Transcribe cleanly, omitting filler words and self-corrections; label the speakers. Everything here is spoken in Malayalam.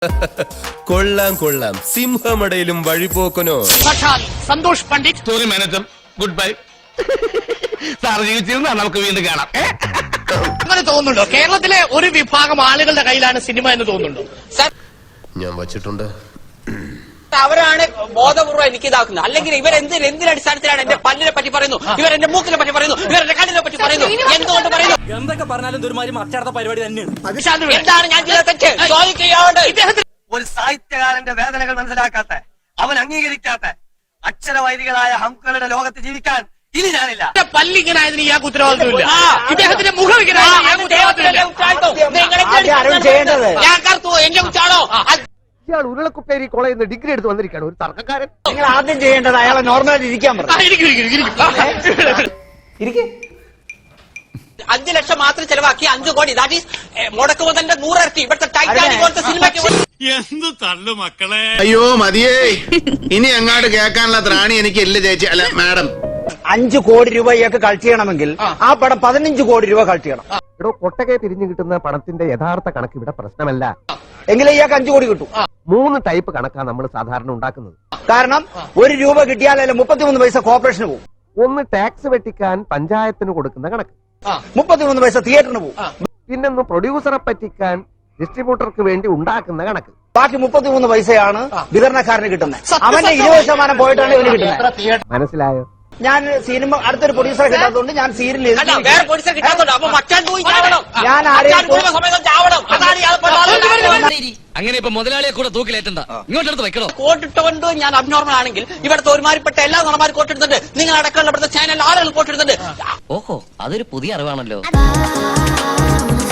Speaker 1: കൊള്ളാം കൊള്ളാം, സിംഹമടയിലും വഴിപോക്കനോ.
Speaker 2: Santhosh Pandit,
Speaker 3: story manager, goodbye. Sir ജീവിച്ചിരുന്ന നമുക്ക് വീണ്ടും കാണാം.
Speaker 2: അങ്ങനെ തോന്നുന്നുണ്ടോ കേരളത്തിലെ ഒരു വിഭാഗം ആളുകളുടെ കയ്യിലാണ് സിനിമ എന്ന് തോന്നുന്നുണ്ടോ?
Speaker 1: ഞാൻ വച്ചിട്ടുണ്ട്.
Speaker 4: അവരാണ് ബോധപൂർവ്വം എനിക്ക് ഇതാക്കുന്നത്. അല്ലെങ്കിൽ എന്തിനടിസ്ഥാനത്തിലാണ് എന്റെ പല്ലിനെ പറ്റി പറയുന്നു, ഇവരെന്റെ മൂക്കിനെ പറ്റി പറയുന്നു, ഇവരെന്റെ കണ്ണിനെ പറ്റി പറയുന്നു, എന്തുകൊണ്ട് പറയുന്നു?
Speaker 5: എന്തൊക്കെ പറഞ്ഞാലും ഇതൊരുമാതിരി മറ്റടുത്ത പരിപാടി തന്നെയാണ്.
Speaker 4: എന്താണ് ഞാൻ ചെയ്ത തെറ്റ്? ചോദിക്കുകയാണ്.
Speaker 6: ഒരു സാഹിത്യകാരന്റെ വേദനകൾ മനസ്സിലാക്കാത്ത, അവൻ അംഗീകരിക്കാത്ത അക്ഷരവൈദികളായ ഹംകളുടെ ലോകത്ത് ജീവിക്കാൻ ഇനി ഞാനില്ല.
Speaker 2: പല്ലിങ്ങനായതിന് ഇയാൾക്ക് ഉത്തരവാദിത്വമില്ല, ഇദ്ദേഹത്തിന്റെ മുഖം
Speaker 4: ഞാൻ കറുത്തു, എന്റെ കുറ്റാണോ?
Speaker 6: ഇയാൾ ഉരുളക്കുപ്പേരി കോളേജിൽ നിന്ന് ഡിഗ്രി എടുത്ത് വന്നിരിക്കുകയാണ്, ഒരു തർക്കക്കാരൻ.
Speaker 5: നിങ്ങൾ ആദ്യം ചെയ്യേണ്ടത് അയാളെ നോർമലായിട്ട് ഇരിക്കാൻ പറഞ്ഞു.
Speaker 4: 5 ലക്ഷം മാത്രം ചെലവാക്കി 5 കോടി, ദാറ്റ് ഈസ് മുടക്ക് മുതലിന്റെ 100 ഇരട്ടി. ഇവിടുത്തെ ടൈറ്റാനിക് പോലത്തെ സിനിമയ്ക്ക്
Speaker 3: എന്ത് തള്ളു മക്കളെ.
Speaker 7: അയ്യോ മതിയേ, ഇനി അങ്ങാട്ട് കേൾക്കാനുള്ള ത്രാണി എനിക്ക് ഇല്ല ചേച്ചി. അല്ല മാഡം,
Speaker 5: 5 കോടി രൂപ ഇയാൾക്ക് കളക്ട് ചെയ്യണമെങ്കിൽ ആ പടം 15 കോടി രൂപ കളക്ട് ചെയ്യണം.
Speaker 6: എടോ, കൊട്ടകെ പിരിഞ്ഞു കിട്ടുന്ന പണത്തിന്റെ യഥാർത്ഥ കണക്ക് ഇവിടെ പ്രശ്നമല്ല.
Speaker 5: എങ്കിലേ ഇയാൾക്ക് 5 കോടി കിട്ടും.
Speaker 6: 3 ടൈപ്പ് കണക്കാണ് നമ്മൾ സാധാരണ ഉണ്ടാക്കുന്നത്.
Speaker 5: കാരണം 1 രൂപ കിട്ടിയാലേ 33 പൈസ കോർപ്പറേഷന് പോകും.
Speaker 6: ഒന്ന് ടാക്സ് വെട്ടിക്കാൻ പഞ്ചായത്തിന് കൊടുക്കുന്ന കണക്ക്,
Speaker 5: 33 പൈസ തിയേറ്ററിന് പോകും.
Speaker 6: പിന്നൊന്ന് പ്രൊഡ്യൂസറെ പറ്റിക്കാൻ ഡിസ്ട്രിബ്യൂട്ടർക്ക് വേണ്ടി ഉണ്ടാക്കുന്ന കണക്ക്.
Speaker 5: ബാക്കി 33 പൈസയാണ് വിതരണക്കാരന് കിട്ടുന്നത്. അവന്റെ 20% പോയിട്ടാണ് ഇവന് കിട്ടുന്നത്.
Speaker 6: മനസ്സിലായോ?
Speaker 5: ഞാൻ സിനിമ അടുത്തൊരു പ്രൊഡ്യൂസറെ കിട്ടാത്തതുകൊണ്ട് ഞാൻ സീരിയൽ
Speaker 4: വേറെ പോലീസെ കിട്ടാത്തോണ്ട് അപ്പൊ മച്ചാൻ പോയി ചാവണം.
Speaker 5: ഞാൻ ആരെയും
Speaker 4: സമയത്ത് ചാവണം. അതാണ്
Speaker 8: അങ്ങനെ ഇപ്പൊ മുതലാളിയെ കൂടെ തൂക്കിലേറ്റണ്ട, ഇങ്ങോട്ടെടുത്ത് വെക്കണോ?
Speaker 4: കോട്ടിട്ടുകൊണ്ട് ഞാൻ അബ്നോർമൽ ആണെങ്കിൽ ഇവിടുത്തെ ഒരുമാതിരിപ്പെട്ട എല്ലാ നടന്മാരും കോട്ടെടുത്തിട്ടുണ്ട്. നിങ്ങൾ അടക്കമുള്ള ഇവിടുത്തെ ചാനൽ ആളുകൾ കോട്ടെടുത്തിട്ടുണ്ട്.
Speaker 8: ഓഹോ, അതൊരു പുതിയ അറിവാണല്ലോ.